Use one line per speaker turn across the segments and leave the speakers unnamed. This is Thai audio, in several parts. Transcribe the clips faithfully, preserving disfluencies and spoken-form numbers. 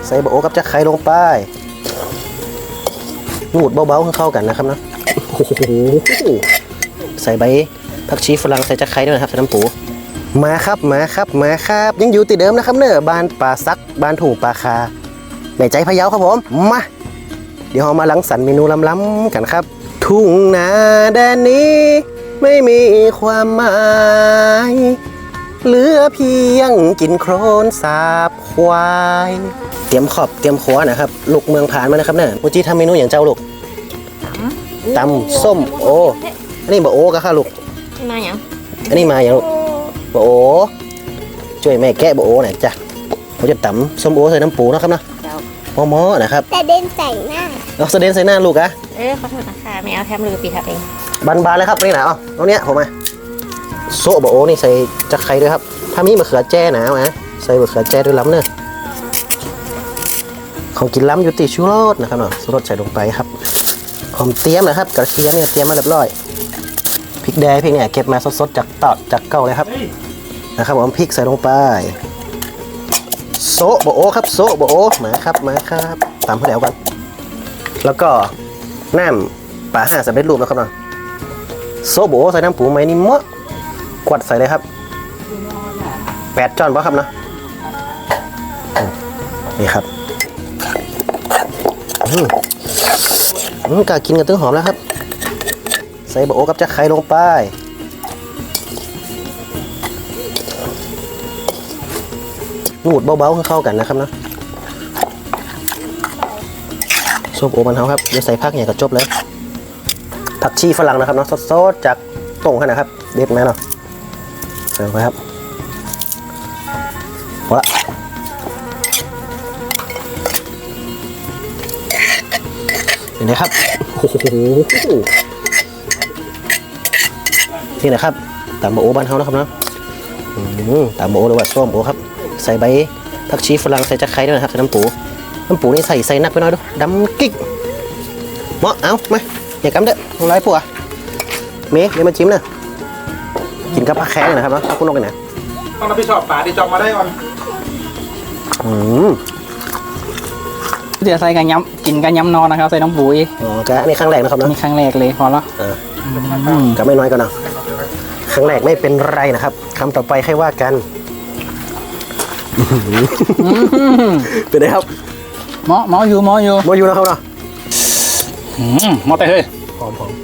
ใส่บะโอกับจักไข่ลงไปนูดเบาๆเข้ากันนะครับนะโอ้โหใส่ใบผักชีฝรั่งใส่จักไข่ด้วยนะครับใส่น้ำปูมาครับมาครับมาครับยังอยู่ติดเดิมนะครับเนอะบ้านป่าซักบ้านถูป่าคาแม่ใจพะเยาครับผมมาเดี๋ยวเรามาลังสรรค์เมนูล้ำๆกันครับทุ่งนาแดนนี้ไม่มีความหมายเหลือเพียงกินโครนสาบควายเตรียมขอบเตรียมขวานะครับลูกเมืองผ่านมานะครับเนี่ยมูจีทำเมนูอย่างเจ้าลูกตำส้มโออันนี้บะโอก็ค่ะลูก
มาอย่าง
อันนี้มาอย่างลูกบะโอช่วยแม่แกะบะโอหน่อยจ้ะเขาจะตำส้มโอใส่น้ำปูนะครับนะมอๆนะครับ
แต่เด่นใส่หน้า
เอาเสด็จใส่หน้าลูกอะ
เออขอโทษนะคะไม่เอาแทมลือปีทับเอง
บานๆเลยครับนี่นะเอาตรงเนี้ยผมมาโซบะโอนี่ใส่จักไข่ด้วยครับถ้ามีมะเขือแจ้หนามาใส่มะเขือแจ้ด้วยล้ำเนอะของกินล้ำอยู่ติชูรสนะครับเนาะชูรสใส่ลงไปครับหอมเตี้ยมนะครับกระเทียมเนี่ยเตรียมมาเรียบร้อยพริกแดงพริกเนี่ยเก็บมาสดๆจากตอดจากเก่าเลยครับนะครับผมพริกใส่ลงไปโซบะโอครับโซบะโอมาครับมาครับตามเขาแล้วกันแล้วก็น้ำปลาห่าสำเร็จรูปนะครับเนาะโซบะโอใส่น้ำปูไหมนี่มะกวดใส่เลยครับแปดจอนป่ะครับเนาะนี่ครับอืมอืมกากินกันตึ้งหอมแล้วครับใส่บะโอกับจักไข่ลงไปนูดเบาๆเข้ากันนะครับนะซุปโอมันเฮาครับเดี๋ยวใส่ผักเนี่ยก็จบเลยผักชีฝรั่งนะครับเนาะสดๆจากต้งขนาดครับเด็ดไหมเนาะใส่ลงไปครับวะเห็นไหมครับโอ้โหนี่นะครับตำบะโอบ้านเฮานะครับเนาะตำบะโอหรือว่าส้มโอครับใส่ใบผักชีฝรั่งใส่จักไข่ด้วยนะครับใส่น้ำปูน้ำปูนี่ใส่ใส่นักไปหน่อยดูดำกิ๊กเหมาะเอาไหมอย่ากำเด้อลงไล่ผัวเมย์เดี๋ยวมาจิ้มนะกินกับผักแข้งนะครับเนาะคุณลงกันนะ
ต้องรับผิดชอบป่าที่จอบมาได้ก่อน
อืม
เดี๋ยวใส่กันย้ำกินกันย้ำนอนนะครับใส่น้ำปุ๋ย
อ๋อกะนี่ครั้งแรกนะครับเนาะ
นี่ครั้งแรกเลยพอแล้ว
กะไม่น้อยก็นะครั้งแรกไม่เป็นไรนะครับคำต่อไปให้ว่ากันเป็นไงครับ
หมอหมออยู่หมออยู่
หมออยู่นะครับเนาะ
หมอแต่เฮ้ย
หอมหอม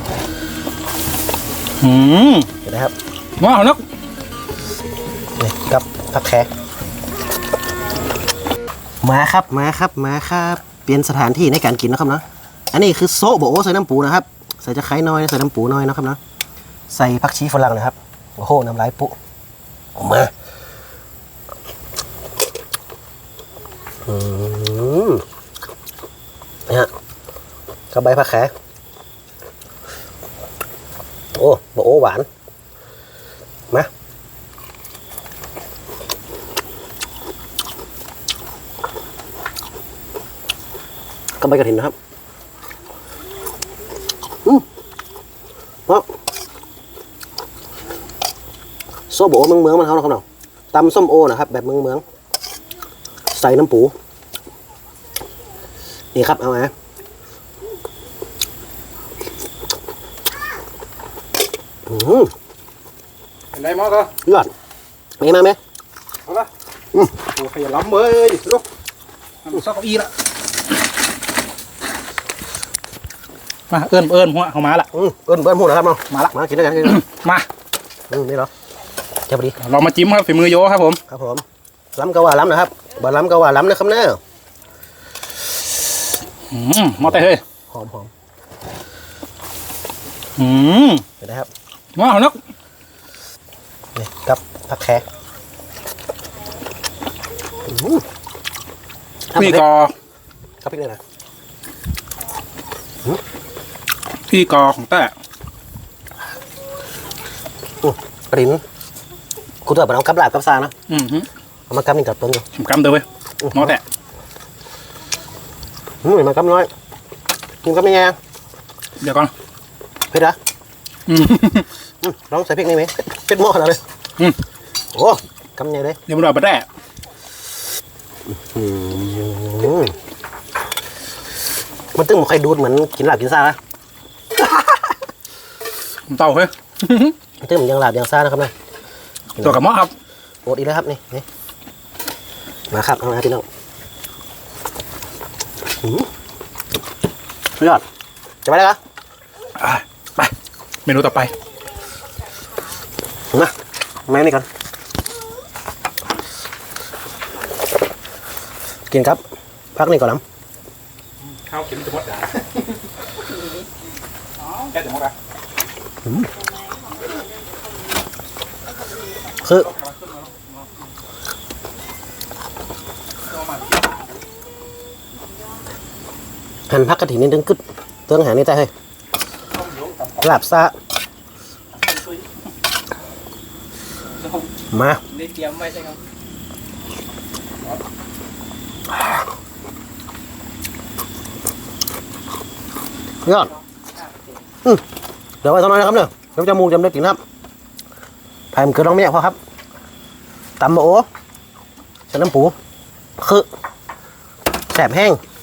เป็นไงครับ
หมอเนาะ
นี่กับผักแขกมาครับมาครับมาครับเปลี่ยนสถานที่ในการกินนะครับเนาะอันนี้คือโซบะโอใส่น้ำปูนะครับใส่จะไข่น้อยใส่น้ำปูน้อยนะครับเนาะใส่ผักชีฝรั่งนะครับโอ้โหน้ำลายปุ๊ออกมาอืมนี่ฮะกับใบผักแขกโอ้บะโอหวานมากับใบกระถิ่นนะครับอืมเพราะโซโบเมืองเมืองมันเขานะครับเนาะตำส้มโอนะครับแบบเมืองเมืองใส่น้ำปูนี่ครับเอามาอืม
เห็นไหมมอก็
ยอดมีมาไหม
เอาละอืมโอ้ขยันล้ำเลยลูกซอกเก้าอี้ละ
มาเอิ้นเอิ้นหัวเขามาละ
อืมเอิ้นเอิ้นหัวนะครับเนาะ
มาละ
มากินด้วยกัน
มา
อืมนี่เหรอเจ้าพอดี
เรามาจิ้มครับฝีมือโยครับผม
ครับผมล้ำก็ว่าล้ำนะครับบ่ล้ำก็ว่าล้ำนะครับเนี่ย
อืมหมอแต่เฮ้ย
หอมหอม
อืม
เห็นไหมครับ
หมอเนาะ
นี่กับผักแขก
พี่กอ
กับพริกเลยนะ
พี่กอของแต่
ปริ้นคุณตัวเอากับลาบกับซานะ
อืม
เอามากับนี่กับต้นอยู่
ผมกำเดียวเว้ยหมอแต่
อืมมากับน้อยกินกับยังไง
เดี๋ยวก่อน
เผ็ดเหรอลองใส่พริกนี่ไหมเผ็ดหม้อขนาดเลยโอ้กำยังไงเลย
เดี๋ยวมันอร่อยไปแน่
อืมมันตึ้งมันใครดูดเหมือนกินลาบกินซ่านะ
เต่าเฮ้ย
มันตึ้งเหมือนยังลาบยังซ่านะครับนะ
ตัวกับหม้อครับ
โอดอีกแล้วครับนี่นี่มาครับเอามาพี่น้องอืมสุดยอดจะไปแล้วครับ
อ่ะไปเมนูต่อไป
มาแม่นี่ก่อนกินครับพักนี่ก่อนน้
ข้าวกินจะหมดอ่ะแค่จะหมดอ่ะ
ำคือหั่นพักกระถิ่นนิดนึงกึดเตื้องหานี่ใจเฮ้ยลาบซ่ามา
ได้เตรียมไว้ใช่ไหม
ยอดอืมเดี๋ยวไว้ตอนนั้นนะครับเนี่ยเดี๋ยวจะมูจำได้กินครับไผ่มันเกิดร้องไม่อยากพอครับตำบะโอ้ใส่น้ำปูคือแสบแห้ง